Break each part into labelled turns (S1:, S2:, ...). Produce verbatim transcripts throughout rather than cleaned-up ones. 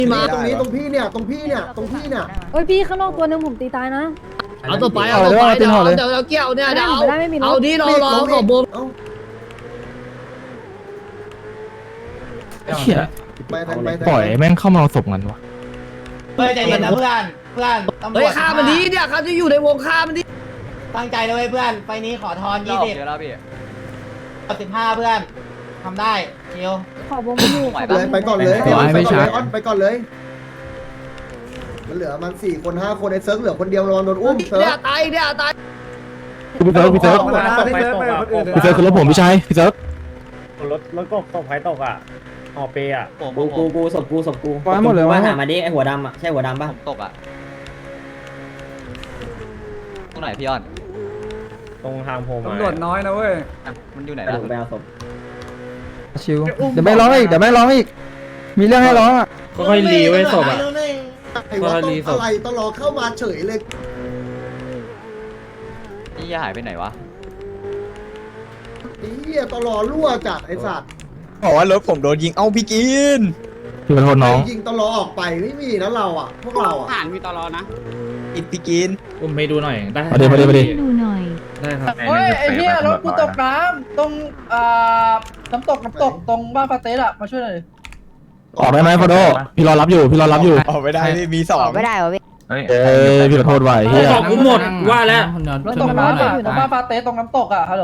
S1: มาตรงนี้ตรงพี่เนี่ยตรงพี่เนี่ยตรงพี่เนี่ย
S2: เฮ้ยพี่ข้างนอกตัวนึงผมตีตายนะ
S3: เอาตัวไปเอาตัวไปเดี๋ยวเดี๋ยวเราเกี่ยวเนี่ยเดี๋ยวเอาเอาดิรอรอขอบวง
S4: เหี้ย
S1: ไปทางไป
S4: ปล่อยแม่งเข้ามาเอาศพกันวะ
S5: เฮ้ยใจเย็นนะเพื่อนเพื่อนตำรวจ
S3: เฮ้ยฆ่ามันดีเนี่ยเขาจะอยู่ในวงฆ่ามันดี
S5: ตั้งใจเลยเพื่อนไฟนี้ขอทอนยี่สิบสิบห้าเพื่อนทำได้ชิว
S2: ขอบวงไม่อยู่
S1: เลยไปก่อนเลยออนไปก่อนเลยมันเหลือมันสี่คนห้าคนไอ้เซิร์ฟเหลือคนเดียวรอโดนอุ้มเซิร์
S3: เนี่ย
S1: ฟ
S3: ตายเนี่ยตาย
S4: พี่เซิร์ฟพี่เซิร์ฟพี่เซิร์ฟคือรถผมพี่ชายพี่เซิร์ฟ
S6: รถรถกบตกไฟตกอ่ะหอเปย์อ่ะ
S7: กูกูกูศพกูศพกู
S4: ไปหมดเลย
S7: ว่าว
S4: ะ
S7: หามาดิไอหัวดำอ่ะใช่หัวดำป่ะ
S8: ตกอ่ะตรงไหนพี่อ้อน
S6: ตรงทางโพมา
S9: ตำรวจน้อยนะเว้ย
S8: มันอยู่ไหน
S7: ไป
S8: ล่ะ
S7: ดูไปเอาศพ
S4: ชิวเดี๋ยวไม่ร้องอีกเดี๋ยวไม่ร้องอีกมีเรื่องให้ร้องอ่ะ
S6: ค่อยๆรีไว้ศพอ่ะ
S1: ไอ้ว่าต้องอะไรต้องรอเข้ามาเฉยเลย
S8: นี่หายไปไหนวะ
S1: ไอ้เหี้ยตลอรั่วจัดไอ้สัตว์
S9: บอกว่ารถผมโดนยิง เอ้าพี่กิน
S4: พี่ขอโทษน้อง
S1: ยิงตลอออกไปไม่มีนะเราอ่ะพวกเราอ่ะ
S9: ผ่านมีตลอนะ อีกพี่กิน
S6: อุ้มไปดูหน่อยได้
S4: มาดิมาดิมาดิ
S2: ดูหน่อย
S6: ได้ครับ
S10: เฮ้ยไอ้เหี้ยรถกูตกน้ำตรงอ่าน้ำตกน้ำตกตรงบ้านฟาเตสอะมาช่วยหน่อย
S4: ออกได้ไหมพอโดพี่รอรับอยู่พี่รอรับอยู่
S9: ออกไม่ได้พี่มีสอง
S2: ไม่ได้เหรอพี่
S4: เอ้ยพี่ขอโทษไว้เฮีย
S6: ของกูหมดว่าแล้ว
S10: รถตกน้ำอะอยู่ตรงบ้านฟาเตสตรงน้ำตกอะฮัลโหล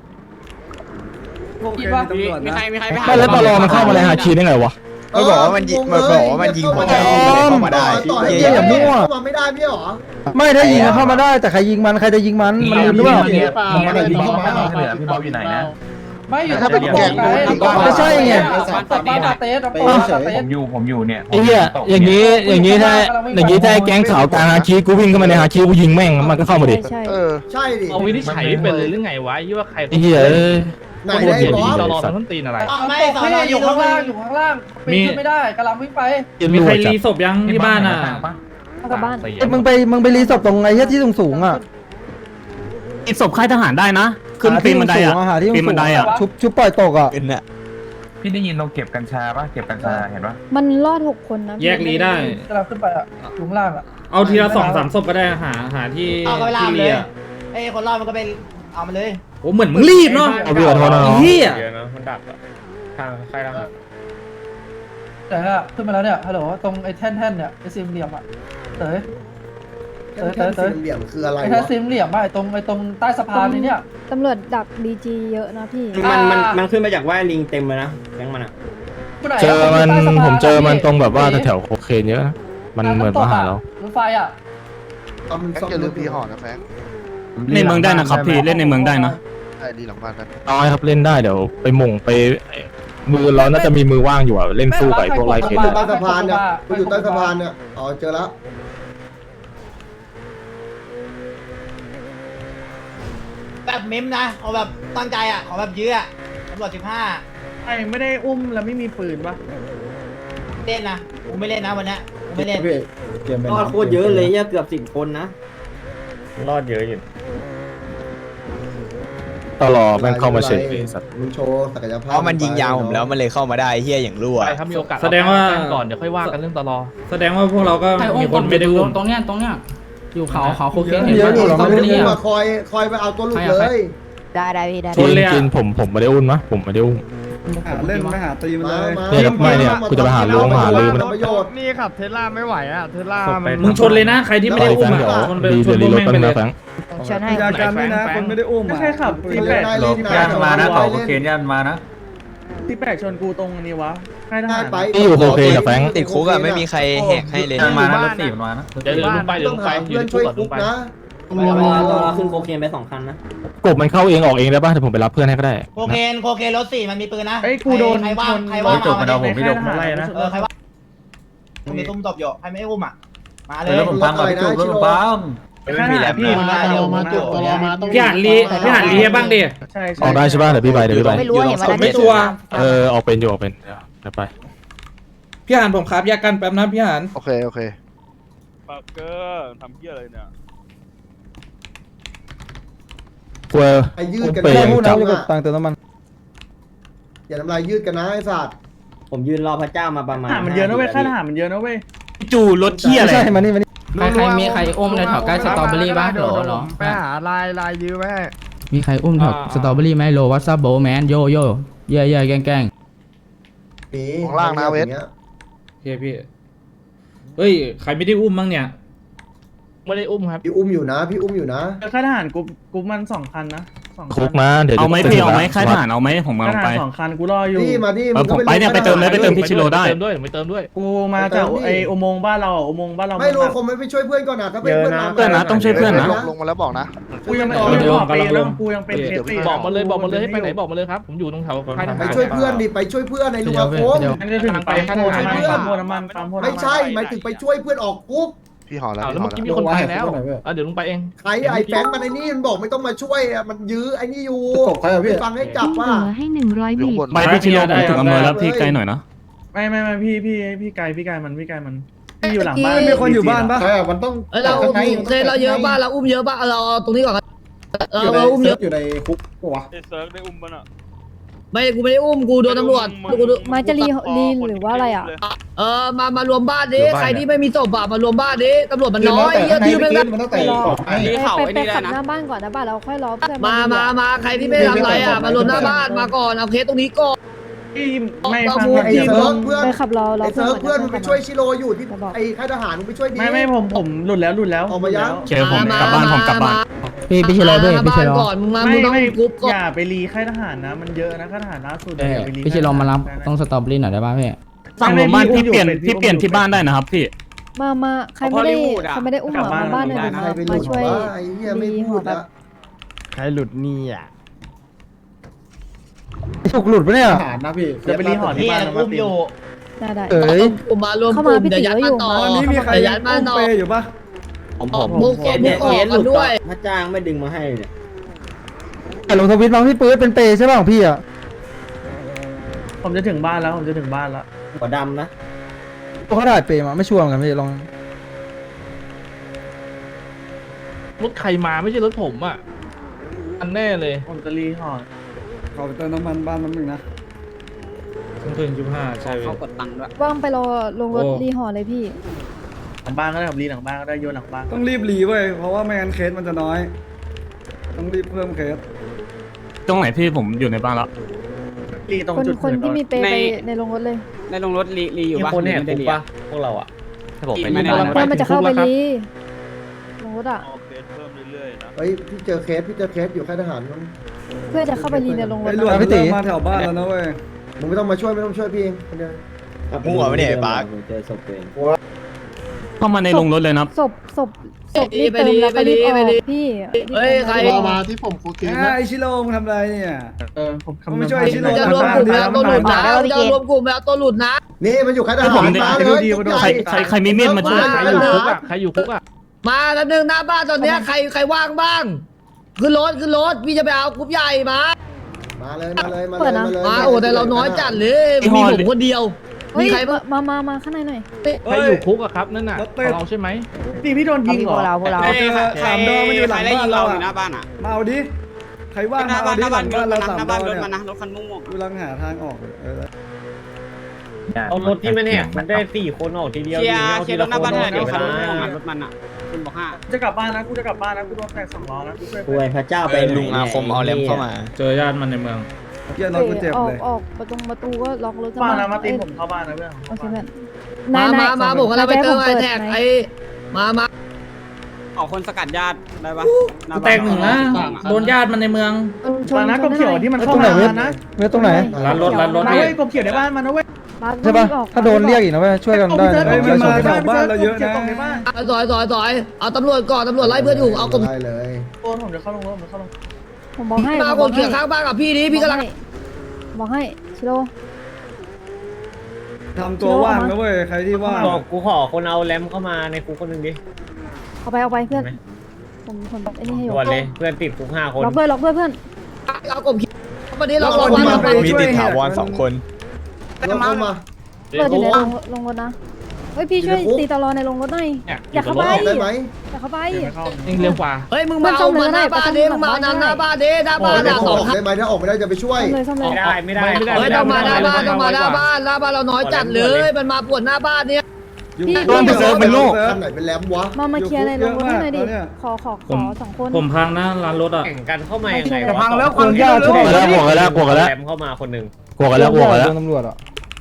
S10: คิดว่า
S9: มีใครมีใคร
S4: ไม่แล้วตลอมันเข้ามาในฮาคีได้ไงวะ
S9: มันบอกว่ามันยิงมันบอกว่ามันยิงหัวใจเข้ามาได้
S1: ต่อให้
S4: เหี้ยอย่ามั่ว
S1: เข้ามาไม่ได้พี่หรอ
S4: ไม่ถ้ายิงเข้ามาได้แต่ใครยิงมันใครจะยิงมันมันลืมหรือเปล่า
S1: มันอะไรยิงเข้ามา
S4: พี่บ๊อบอยู่ไหนนะ
S10: ไม่อยู่ถ้าเป็นแกง
S4: ไม่ใช่ไง
S10: ตกบ้านฟาเตสน้ำตกฟาเตส
S4: ผมอยู่ผมอยู่เนี่ยไอ้เหี้ยอย่างนี้อย่างนี้ถ้าอย่างนี้ถ้าแก๊งขาวกลางฮาคีกูวิ่งเข้ามาในฮาคีกูยิงแม่งมันก็เข้ามาดิ
S2: ใช่
S1: ใช่ดิ
S6: เอาวินิจฉัยเป็นเลยหรือไงวะยี่ว่าใคร
S4: ไอ้เหี้ยเอ้ย
S1: ไหนได้บอส
S6: ตลอดต้นตีนอะไร
S5: ต้องไม่
S10: น้ำตก
S5: สอน
S10: พี่
S5: อ
S10: อยู่
S5: ยู่
S10: ข้า
S5: ข้าง ง
S10: ล่า
S5: ล่าง ง
S10: อยู่ข้างล่างปีนขึ้นไม่ได้กำลังวิ่งไป
S6: มีใครรีศพยังที่บ้านอ่ะ
S2: เอากลับบ้าน
S4: ไอ้มึงไปมึงไปรีศพตรงไอ้เหี้ยที่สูงสูงอ่ะ
S3: ติดศพค่ายทหารได้นะขึ้นปีนบันไดอ่ะ
S4: หาที่สูง
S3: ปีนบันไดอ่ะ
S4: ชุบชุบปล่อยตกอ่ะ
S9: เป็นน่ะ
S4: พี่ได้ยินเราเก็บกัญชาป่ะเก็บกัญชาเห็นป่ะ
S2: มันรอดหกคนนะ
S6: แยกรีได้
S10: กำลังขึ้นไปอะอยู่ข้างล่างอะ
S6: เอาทีละสองสามศพก็ได้หาหาที่
S5: เอาก็ไปล่า
S6: ที่
S5: มันเล
S6: เรี
S5: ย
S6: ย
S5: ไอ้คนรอดมันก็เป็นเอามันเลย
S6: โอ้เหมือนมึงรีบเนาะ
S4: เอาพี่ขอโทษนะน้อง
S6: เฮีย
S4: เยอะนะมันดักอ่ะทางใครทาง
S10: แต่อะขึ้นมาแล้วเนี่ยฮัลโหลตรงไอ้แท่นๆเนี่ยไอ้ซิมเหลี่ยมอะเต๋ยเต๋ยเต๋ยเต๋ย
S1: สี่เหลี่ยมคืออะไร
S10: ไอ้แท่น
S1: วะ
S10: ซิมเหลี่ยมอะไอ้ตรงไอ้ตรงใต้สะพานนี่เนี่ย
S2: ตำรวจดักดีจีเยอะนะพี่
S7: มันมันมันขึ้นมาจากว่าลิงเต็มเลยนะแก๊งมันอ่ะ
S4: เจอมันผมเจอมันตรงแบบว่าแถวโคเคนเยอะนะมันเหมือนมาหาเรา
S10: รถไฟอะ
S1: เอามันซ่อมลืมพี่ห่อนะแฟง
S3: ในเมืองได้นะครับพี่เล่นในเมืองได้นะ
S1: ไอ้ดีหลังบ้านกัน
S4: น้อยครับเล่นได้เดี๋ยวไปหม่งไปมือเราน่าจะมีมือว่างอยู่อ่ะเล่นสู้กับพวกไลเค
S1: ใต้สะพานเนี่ยกูอยู่ใต้สะพานเนี่ยอ๋อเจอแล้ว
S5: แบบเม้มนะเอาแบบตั้งใจอ่ะขอแบบยื้ออ่ะตำรวจสิบห้า
S6: ไอ้ไม่ได้อุ้มแล้วไม่มีปืนปะ
S5: เล่นนะกูไม่เล่นนะวันนี้กูไม่เล่น
S7: รอดโคตรเยอะเลยเนี่ยเกือบสิบคนนะ
S6: รอดเยอะอยู่
S4: ตลอดแม่งเข้ามาเฉยสัตว์
S1: มึงโชว์ศักยภาพ
S9: เพราะมันยิงยาวผมแล้วมันเลยเข้ามาได้เฮียอย่างรั่ว
S6: ถ้ามีโอกาสแสดงว่าก่อนเดี๋ยวค่อยว่ากันเรื่องตลอแสดงว่าพวกเราก็มีคนไม่ได้อุ้ม
S3: ตรงเนี้ยตรงเนี้ยอยู่เขาเขาโคเคน
S1: เดี๋ยวนี่ต้องมึงมาคอยคอยไปเอาตัวหลุดเลย
S2: ได้ได้พี่ได้
S4: จริงจริงผมผมไม่ได้อุ้มนะผมไม่ได้อุ้ม
S1: เล่นไม่หาตีมันเลย
S4: เนี่ยไม่เนี่ยกูจะไปหาลุงหาลือมัน
S1: ประโยชน์
S9: นี่ขับเทสลาไม่ไหวอ่ะเทสลา
S6: มึงชนเลยนะใครที่ไม่ได้อุ้ม
S4: เดี๋ยว
S6: อ่ะชนไป
S4: ดี
S6: ช
S4: เดี๋ย
S6: น
S4: ว
S6: พว
S4: รี
S6: ก
S4: ร
S6: แม่
S4: ถ
S6: ง
S4: แป๊บ
S6: ไป
S4: นึง
S6: เลย
S4: นะแฟง
S9: กันไม่นะคนไม่ได้อุ้ม
S10: ไม่ใช่ขับ
S1: ตีแปด
S9: ย่านมานะเขาโอเค
S1: ย่านมานะ
S6: ที่แปลกชนกูตรงนี้วะใครท
S1: ง่า
S6: หาย ร
S1: ไป
S4: นี่อยู่โคเคนกับแฟง
S9: ติดคุกอ่ะไม่มีใครแหกให้เลย
S6: มานะรถสี่มันมานะเดี๋ยวลงไปเดี๋ยว
S1: ต้
S6: ล
S1: อง
S6: งไป
S1: หาเพื่อนช่วยคุกนะ
S7: เราเราขึ้นโคเคนไปสองคันนะ
S4: กบมันเข้าเองออกเองได้ป่ะเดี๋ยวผมไปรับเพื่อนให้ก็ได้
S5: โคเคนโคเคนรถสี่มันมีปืนนะ
S6: ไอ้กูโดน
S5: ใครว่าง
S6: ชน
S5: ใครว่าง
S6: จบมาเอาผมไม่โดนไล่นะ
S5: เออใครว่างมีตุ้มตบอยู่ใครไม่อุ้มอ่ะมาเลย
S1: ผมพังกับพี่จุ๊บแล้วผมพัง
S9: ไม่มีแล้ว
S6: พี่
S5: มาเดี๋ยวมาจุดตัวรอมา
S6: พี่หันลีพี่หันลีให้บ้างดิ
S10: ใช่
S4: ออกได้ใช่ป่ะเดี๋ยวพี่ไปเดี๋ยวพี่ไป
S2: ไม่รู้เห็นวันนั้น
S6: ไม่ชัวร์
S4: เออออกเป็นอยู่ออกเป็นเดี๋ยวไป
S6: พี่หันผมครับแยกกันแป๊บนะพี่หัน
S1: โอเคโอเค
S9: ปักเกอร์ทำเฮียอะไรเนี่ย
S4: กลัว
S1: ไอ้ยืดกัน
S4: เปย์
S1: นะ
S4: จับ
S1: ตังเติมน้ำมันอย่าน้ำลายยืดกันนะไอ้สัตว์
S7: ผมยืนรอพระเจ้ามาประมาณ
S10: ทหารมันเยอะนะเว้ยค่าทหารมันเยอะนะเว้ย
S4: จูรถเที่ยอะไร
S10: ใช่มานี่มานี่
S4: ใครใครมีใครอุ้มในแถวใกล้สตรอเบอรี่บ้างหรอหรอ
S9: ไปหาลายลายยื้อไว้ให้
S4: มีใครอุ้มแถวสตรอเบอรี่ไหมโลวัตซับโบแมนโยโย่เย่เย่แกล้งแกล้ง
S1: มี
S9: ของล่างนะเวท
S6: โอเคพี่เฮ้ยใครไม่ได้อุ้มบ้างเนี่ย
S4: ไม่ได้อุ้มครับ
S1: พี่อุ้มอยู่นะพี่อุ้มอยู่นะ
S10: ค่าทหารกูกูมันสองคันนะสอง
S4: คุกนะเดี๋ยว
S11: เอาไหมพี่เอาไหมค่ายทหารเอาไหมผม
S10: ค่า
S11: เอา
S10: ท
S11: ไป
S10: หารสองคันกูรออยู่
S1: นี่มาดิ
S11: เออผมไปเนี่ยไปเติมเลยไปเติมพี่ชิโร่ได้
S4: เติมด้วยไม่เติมด้วย
S10: กูมาจากไออุโมงค์บ้านเราอุโมงค์บ้านเรา
S1: ไม่รู้คงไม่ไปช่วยเพื่อนก่อนนะถ้าเป็นเพื่อนมา
S11: เพื่อนนะต้องช่วยเพื่อนนะ
S9: ลงลงมาแล้วบอกนะ
S10: กูยังไม่ออกเลยบอกไปแล้วกูยังเป็นเพชร
S4: บอกมาเลยบอกมาเลยให้ไปไหนบอกมาเลยครับผมอยู่ตรงแถวค่ายทหาร
S1: ไปช่วยเพื่อนดิไปช่วยเพื่อนในลุงอาคม
S10: มันจะถึงไปโพน้ำมันปั๊มโพน้ำมันปั๊มโพน้ำมัน
S1: ไม่ใช่หมายถึงไปช่วยเพื่อนออกคุก
S9: พี่ห่อแล้ว
S4: อ้าว
S9: พี่
S4: แล้ว
S9: ห่อ
S4: เมื่อ
S9: แล้ว
S4: กี้มีคนไปแล้วอ่ะเดี๋ยวลุงไปเอง
S1: ใครไอ้แฟงมันไอ้นี่มันบอกไม่ต้องมาช่วยอ่ะมันยื้อไอ้นี่อยู่ไปฟังให้จับว่า
S2: ให้หนึ่งร้อย
S9: อยู่
S2: บี
S9: บน
S11: ไม่พี่ชิโร่ผมถึงอำเภอแล้วพี่ไกลหน่อยนะ
S10: ไม่ไม่ไม่พี่พี่พี่ไกลพี่ไกลมันพี่ไกลมันพี่อยู่หลังบ้าน
S1: มีคนอยู่บ้านปะมันต้อง
S3: เอ้ยเราอุ้มเคยเราเยอะบ้านเราอุ้มเยอะบ้านเราตรงนี้ก่อนเราเราอุ้มเยอะ
S1: อยู่ในคุกปะวะ
S3: ไม่กูไม่ได้อุ้มกูโดนตำรวจกู
S2: มาจะรีรีหรือว่าอะไรอ่ะ
S3: เออมามารวมบ้านดิใครที่ไม่มีศพอะมารวมบ้านดิตำรวจมันน้อยเยอะที่ไม่ได้
S1: มันต้องแต่
S2: รอ
S1: ไอ้
S2: ไปไปขับหน้าบ้านก่อนนะบ้านเราค่อยรอเพื่อน
S3: มามามาใครที่ไม่ทำอะไรอะมารวมหน้าบ้านมาก่อนเอาเคสตรงนี้ก่อน
S10: พี่ไม่ฟัง
S1: ไอ้เซิร์ฟเพื่อน
S2: ไปขับรอรอ
S1: ไอ้เซิร์ฟเพื่อนมึงไปช่วยชิโร่อยู่ที่ไอ้ค่ายทหารมึงไปช่วยดี
S10: ไม่ไม่ผมผมหลุดแล้วหลุดแล้ว
S11: โอเคผมกลับบ้านผมกลับบ้าน
S4: พี่พี่ชิโร่พี่พี่ชิโร่
S3: ก่อนมึงมา
S10: ไม่
S3: มึงต้อง
S10: ไม่
S3: กรุ๊ปก่อน
S10: อย่าไปรีค่ายทหารนะ มันเยอะนะค่ายทหารล่าสุด
S4: เอ้ยพี่ชิโร่มารับต้องสตรอเบอรี่หน่อยได้ป่ะพี่
S11: สั่งรวมบ้านพี่เปลี่ยนพี่เปลี่ยนที่บ้านได้นะครับพี่
S2: มามาใครไม่ได้ใครไม่ได้อุ้มมาบ้านเลย
S1: ใครไปหลุ
S2: มา
S1: ด
S2: ช่วย
S1: ว่าไอ้เหี้ยไม่พูดละ
S9: ใครหลุดนี่อ่ะ
S4: ถูกหลุดปะเนี่ย
S1: ทหารนะพี่
S10: จะไปรีหอที่บ้านนะมาตี
S2: ได้ได้
S4: เอ้ย
S3: ผมมารวม
S2: เข้าก มา
S3: ลุ่ม
S2: พี่
S3: เดี๋ยวยัด
S2: ติ๋ว
S3: มาต่อ
S2: อยู่
S3: เดี๋ยวยัดมาต่อ
S1: อยู่ปะ
S7: ผมผม
S3: มุก
S7: เคส
S3: มุ
S7: เนี่ย
S3: กอ
S7: เค
S3: อก
S7: สหลุด
S3: ด้วย
S7: พระจ้างไม่ดึงมาให้เนี่ย
S4: แต่ลงทวิตบางพี่ปื๊ดเป็นเปย์ใช่ป่ะของพี่อ่ะ
S10: ผมจะถึงบ้านแล้วผมจะถึงบ้านแล้ว
S7: หัวดำนะ
S4: ตัวเขาถ่ายเปย์มาไม่ชัวร์เหมือนกันพี่ลองรถใครมาไม่ใช่รถผมอ่ะอันแน่เลย
S10: ผมจะรีหอ
S1: ขอไปเติมน้ำมันบ้านน้ำหนึ่งนะ
S6: ครึ่งคืนจุดห้าใช่พี่
S2: ว่างไปรอลงรถรีหอเลยพี่
S10: หลังบ้านก็ได้ผมรีหลังบ้านก็ได้โยนหลังบ้าน
S1: ต้องรีบรีเว้ยเพราะว่าไม่งั้นเคสมันจะน้อย ต้องรีบเพิ่มเคส
S11: ตรงไหนพี่ผมอยู่ในบ้านแล้ว
S10: รีตรง
S2: คน
S10: จุด
S2: คนที่มีเปย์ไปในลงรถเลย
S7: ในโรงรถรีรีอยู่ปะ
S10: คนแหกคุกปะพวกเราอ่ะ
S8: ถ้าผมไป
S7: ไม่
S8: ที่
S7: ได้
S8: บ้าน
S2: เพื่อนมันจะเข้าไปรีลงรถอ่ะ
S1: เฮ้ยพี่เจอเคสพี่เจอเคสอยู่ค่ายทหารมั้ง
S2: เพื่อจะเข้าไปรีในลงรถ
S1: ไอ้หลวงพี่ตีมาแถวบ้านแล้วนะเว้ยมึงไม่ต้องมาช่วยไม่ต้องช่วยพี่เองคนเดียว
S9: มั่วไม่ได้ปาร์ค
S7: เจอศพตัวเอง
S11: เข้ามาในโรงรถเลยนะ
S2: ศพศพศพรีบเติมแล้วก็รีบออกพี่
S3: เฮ้ยใคร
S1: มาที่ผมคูคิไอชิโร่มึงทำอะไรเนี่ย
S10: เออผม
S1: ผมไม่ช่วยชิโร่
S3: จะรวมกลุ่มแล้วตัวหลุดนะจะรวมกลุ่มแล้วตัวหลุดนะ
S1: นี่มันอยู่ค่ายทหารมาเลย
S11: ใครใครใครมีมีดมาช่วย
S4: ใครอยู่คุกอ่ะใครอยู่คุกอ่ะ
S3: มาแล้วนึงหน้าบ้านตอนเนี้ยใครใครว่างบ้างขึ้นรถขึ้นรถพี่จะไปเอากรุ๊ปใหญ่มา
S1: มาเลยมาเลยมาเลยมาเลย
S3: มาโอ้แต่เราน้อยจัดเลยมีผมคนเดียว
S2: เฮ้
S3: มี
S2: ย
S3: ใครบ้าง
S2: มามามาข้างในหน่อย
S4: ใครอยู่คุกอ่ะครับนั่นน่ะเราใช่ไหม
S10: ตีพี่โดนยิงเหรอ
S2: เราพวกเรา
S1: สามดอมันอยู่หลังบ้านเราหน้าบ้านอ่ะมาเอาดิใครว่างมาเอาดิหลังบ้านเราสามดอเนี่ยรถคันม่วงๆกูลังหาทางออกเออ
S7: เอารถที่มันแหกมันได้สี่คนออกทีเดียว
S5: เคลียร์เคลียร์รถหน้าบ้านหน่อยเดี๋ยวคัน
S7: นะ
S5: ม่วงๆรถมันอ่ะคุณบอกห้า
S10: จะกลับบ้านนะกูจะกลับบ้านนะกูโดนแตกสองล้อนะกูช่วย
S7: ป่วยพระเจ้าไป
S9: ลุงอาคมเอาแรมเข้ามา
S6: เจอญาติมันในเมือง
S1: เยี่ยรถกูเจ็บ
S2: ออก
S1: เลย
S2: ออกประตูประตูก็ล็อกรถ
S10: บ้านนะมาตีผมเข้าบ้านนะเพื่อน
S2: โอเคเพื่อน
S3: มามามาผมกำลังไปเติมไอแท็กไอมามา
S5: ออกคนสกัดญาติได้ปะ
S6: แตกหนึ่งนะโดนญาติมันในเมือง
S10: มานะกบเขียวที่มันเข้ามานะ
S4: เว้ยตรงไหน
S6: ร้านรถร้านรถ
S10: มา
S6: พี่
S10: เว้ยกบเขียวในบ้านมันนะเว้ย
S4: ใช่ป่ะถ้าโดนเรียกอีกนะเว้ยช่วยกันได้
S10: เฮ้ยมันมาแถวบ้านเราเยอะนะ
S3: ถอยถอยถอยเอาตำรวจก่อนตำรวจไล่เพื่อนอยู่เอากลุ่ม
S1: ได้เลย
S10: โอนผมจะเข้าลงรถผมจะเข้าลง
S2: ผมบอกให้
S3: มากลุ่มเขียข้างบ้านกับพี่นี้พี่กำลัง
S2: บอกให้ชิโร่
S1: ทำตัวว่างนะเว้ยใครที่ว่าง
S7: บอกกูขอคนเอาแรมเข้ามาในคุกคนหนึ่งดิ
S2: เอาไปเอาไปเพื่อนผมผมไอ้นี่ให้อยู่
S7: ด่วนเลยเพื่อนติดคุกห้าคน
S2: ล็อกด้วยล็อกด้วยเพื่อน
S3: เอากลุ่มวันนี้เราลง
S1: คน
S3: วัน
S1: ที่
S3: เรา
S1: มันไป
S9: มี
S1: ช่วย
S9: ติดถาวรสองคน
S1: เราเข้ามา
S2: เปิดอยู่ในลงลงรถนะเฮ้ยพี่ช่วยตีตลอในโรงรถหน่อยอย่าเข้าไปอย่าเข้าไป
S6: เองเร็วกว่า
S3: เฮ้ยมึงมาเอามาหน้าบ้านดิมึงมาเอาหน้าบ้านดิหน้าบ้านอ่ะสองคัน
S1: ได้ไหมถ้าออกไม่ได้จะไปช่วย
S2: ซ่อมเลยซ่อมเลย
S7: ไม่ได้ไม่ได้ไม่ได้
S3: เฮ้ยต้องมาหน้าบ้านต้องมาหน้าบ้านหน้าบ้านเราน้อยจัดเลยมันมาปวดหน้าบ้านเนี่ย
S2: พี่
S1: โดนไปเซิร์ฟเป็นโลกท่านไหนเป็นแรมวะ
S2: มามาเคลียร์ในโรงรถให้หน่อยดิขอขอขอสองคน
S6: ผมพังนะร้านรถอ่ะ
S7: แข่งกันเข้ามายังไง
S10: จะพังแล้วคนยาก
S4: กลัวกันแล้วกลัวกันแล้วกลัวกันแล้ว
S7: แรมเข้ามาคนหนึ่ง
S4: กลัวกันแล้วกลัวกันแล้ว
S10: ตำรวจอ่ะ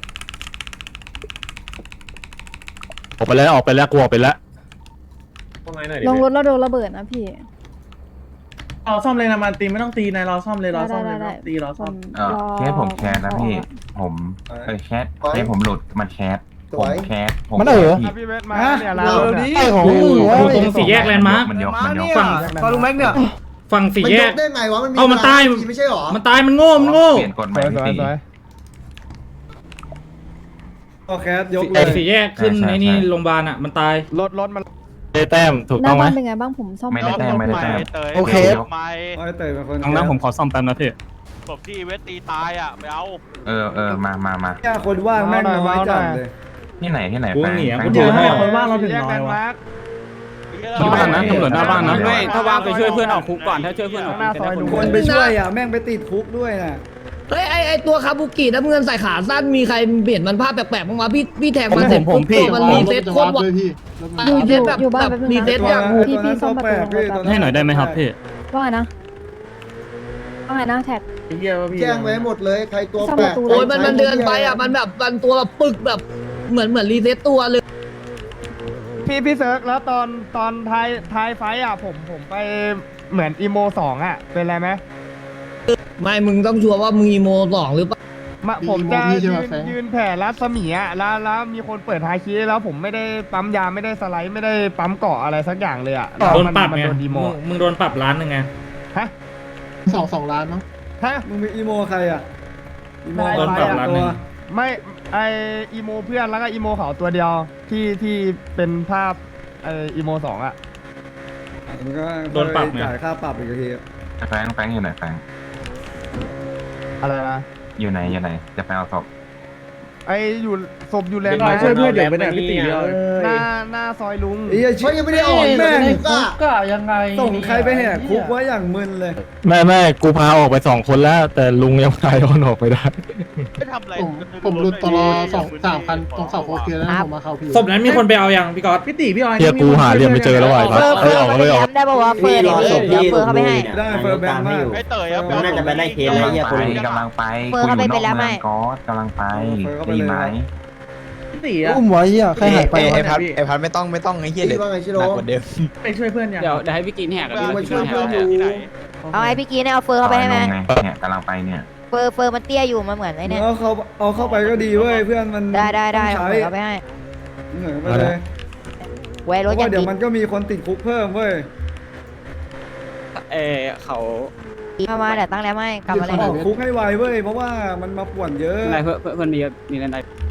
S4: ออกไปแล้วออกไปแล้วกลัวไปแล้ว
S7: เข้ามาหน่อยดิ
S2: โรงรถเราโดนระเบิดนะพี่
S10: เราซ่อมเลยนะมันตีไม่ต้องตีนายเราซ่อมเลยเรา
S2: ได้
S10: ซ่อมเล
S2: ได้
S10: ย
S2: ได้
S10: ตีเราซ่อม
S2: แค่ผมแคสนะพี่
S9: ผมเออแคสให้ผมหลุดมันแคส
S1: สวย
S9: แคส
S10: มันเออ
S1: พี่เวทมาเนี่ยเราดิ
S10: ไอ้ของมึง
S6: อยู่ตรงสี่แยกแลนด์มาร์ค
S9: มันยกมันยก
S6: ฝั่ง
S10: ตอนลุงแม็กเนี่ย
S6: ฝั่งสี่
S1: มัน
S6: แย
S1: ย
S6: ก
S1: กได้ไงวะมันมี
S6: เอามันตาย
S1: ไม่ใช่หรอ
S6: มันตายมันโง่มันโง่
S9: เปลี่ยนกฎใหม่พี่ตี
S1: โอเคยกเล
S6: ไอ้
S1: ย
S6: สี่แยกขึ้นในนี่โรงพยาบาลอ่ะมันตาย
S1: รถรถมัน
S4: ได้แต้มถูก
S2: ห
S4: ต้
S2: น้า
S4: องไหม
S2: บ้านเป็นไงบ้างผมซ่อม
S9: ไม่ได้แต้มไม่ได้แต้ม
S10: โอเค
S1: ไอ้เตยเป็นคน
S11: ตรงนั้นผมขอซ่อมแป๊บนะพี่
S12: ศพที่เวทตีตายอ่ะไปเอา
S9: เออเออมามามา
S1: แค่คนว่างแม่งน้อยจัดเลย
S9: ที่ไหนที่ไหน
S6: กู
S9: แฟง
S6: หนี
S9: แฟ
S6: กู
S9: ง
S6: เจอให้
S10: คนว่างเราถึงน้อยวะ
S11: หน้าบ้านนะตำรวจหน้าบ้านนะ
S8: ไม่ถ้าว่างไปช่วยเพื่อนออกคุกก่อนถ้าช่วยเพื่อนออกคุกจะได้คน
S1: คนไปช่วยอ่ะแม่งไปติดคุกด้วยน่ะ
S3: เฮ้ยไอไอตัวคาบุกิน้ำเงินใส่ขาสั้นมีใครเปลี่ยนมันภาพแปลกๆบ้างวะพี่พี่แทงมันเสร็จปุ๊บตัวมันรีเซ็ตโคตรว่ะ
S2: อยู่อยู่
S3: แบบ
S2: อยู่บ้าน
S3: แบบ
S2: แป๊บนึง
S3: รีเซ็ต
S2: นะ
S3: อย่าง
S2: พี่พี่ซ่อมประตูโรงรถแป๊บ
S11: ให้หน่อยได้ไหมครับพี่
S2: ว่าไงนะว่าไงนะแท็ก
S1: แจ้งไว้หมดเลยใครตัวแปลก
S3: โอ้ยมันมันเดินไปอ่ะมันแบบมันตัวแบบปึกแบบเหมือนเหมือนรีเซ็ตตัวเลย
S7: พี่พี่เซิร์กแล้วตอนตอนท้ายท้ายไฟอ่ะผมผมไปเหมือนอีโมสองอ่ะเป็นไรไหม
S3: ไม่มึงต้องชัวร์ว่ามึงอีโมสองหรือเปล่า
S7: มาผมจะยืนยืนแผ่รัศมีอ่ะแล้วแล้วมีคนเปิดไฮคีแล้วผมไม่ได้ปั๊มยาไม่ได้สไลด์ไม่ได้ปั๊มเกาะอะไรสักอย่างเลยอ่ะ
S6: โดนปรับ
S7: มัน
S6: ไง
S7: โดนดีโม
S6: มึงมึงโดนปรับล้านหนึ่งไง
S7: ฮะ
S10: สองสองล้านเนาะ
S7: ฮะ
S1: มึงมีอีโมใครอ่ะอีโม
S6: โดนปรับล้านหนึ่ง
S7: ไม่ไออีโมเพื่อนแล้วก็อีโมเขาตัวเดียวที่ที่เป็นภาพไออีโมสองอ่ะ
S1: มันก็
S6: โดนปรับไง
S1: จ่ายค่าปรับอีกที
S9: แฟงแฟงอยู่ไหนแฟง
S7: อะไรนะ
S9: อยู่ไหนอยู่ไหนจะไปเอาศพ
S7: ไออยู่ศพอยู่แลนด์
S10: เรา
S7: มาร์ค
S10: ช่วยเพื่อนเดี๋ยวไปไหนพี่ตีเดียว
S7: หน้าหน้าซอยลุง
S1: ไอ้เชี่ยยังไม่ได้ออกแม่งคุกอ่ะ
S10: ก็ยังไง
S1: ส่งใครไปแหกคุกไว้อย่างมึนเลย
S4: ไม่ไม่กูพาออกไปสองคนแล้ว แต่ลุงยังพาย้อนออกไปได้
S12: ไม่ทำอะไร
S10: ผมผมรุดตลอสองสามคันตรงเสาโคเคียแล้วผมมาเข้าพี่
S6: ศพนั้นมีคนไปเอายังพี่ก๊อต
S10: พี่ตีพี่ออย
S4: เฮียกูหาเรียมไปเจอแล้วไอ้พัดเอ้ยออกเลยออก
S2: ได้ป่าวะเฟิร์นเดี๋ยวเดี๋ยวเฟิร์นเข้าไปให้
S1: ได้เฟิร์มแบงค์มาก
S12: ไอ้เตยอ่ะ
S1: น่าจะไปไล่เคส
S9: กำลังไปกำลังไปคุยอยู่นอกเมืองก๊อตกำลังไปดีไหม
S10: พี่ตีอะอุ้มไว้อ่ะใครหายไป
S9: ไอพัดไอพัดไม่ต้องไม่ต้องไอ้เหี้ยเด็ก
S1: ว่าไงชิโร่
S10: ไปช่วยเพื่อนยัง
S8: เดี๋ยวเดี๋ยวให้พี่กินแหกกัน
S1: มาช่วยเพื่อนอยู่
S12: ที่ไหน
S2: เอาไอ้พี่กีเนี่ยเอาเฟิร์นเข้าไปให้ไหม
S9: เนี่ยกำลังไปเนี่ย
S2: เฟิร์นเฟิร์นมันเตี้ยอยู่มันเหมือนไอ้เนี่ย
S1: เอาเขาเอาเข้าไปก็ดีเว้ยเพื่อนมัน
S2: ได้ได้ได้
S1: ต้อง
S2: เอา
S1: ใช้
S2: เฟิร์นเข้าไปให้
S1: เหนื่อยไปเลย
S2: ไว้
S1: เพ
S2: รถ
S1: ราะ
S2: ยั
S1: ว่าง เดี๋ย
S2: ติ
S1: ว
S2: ด
S1: มันก็มีคนติดคุกเพิ่มเว้ย
S8: เออเขา
S2: มามาเดี๋ยวตั้งแล้วไม่กลับมาเลย
S1: ออกคุกให้ไวเว้ยเพราะว่ามันมาป่วนเยอะ
S8: อะไรเพื่อนเพื่อนมีมีอะไร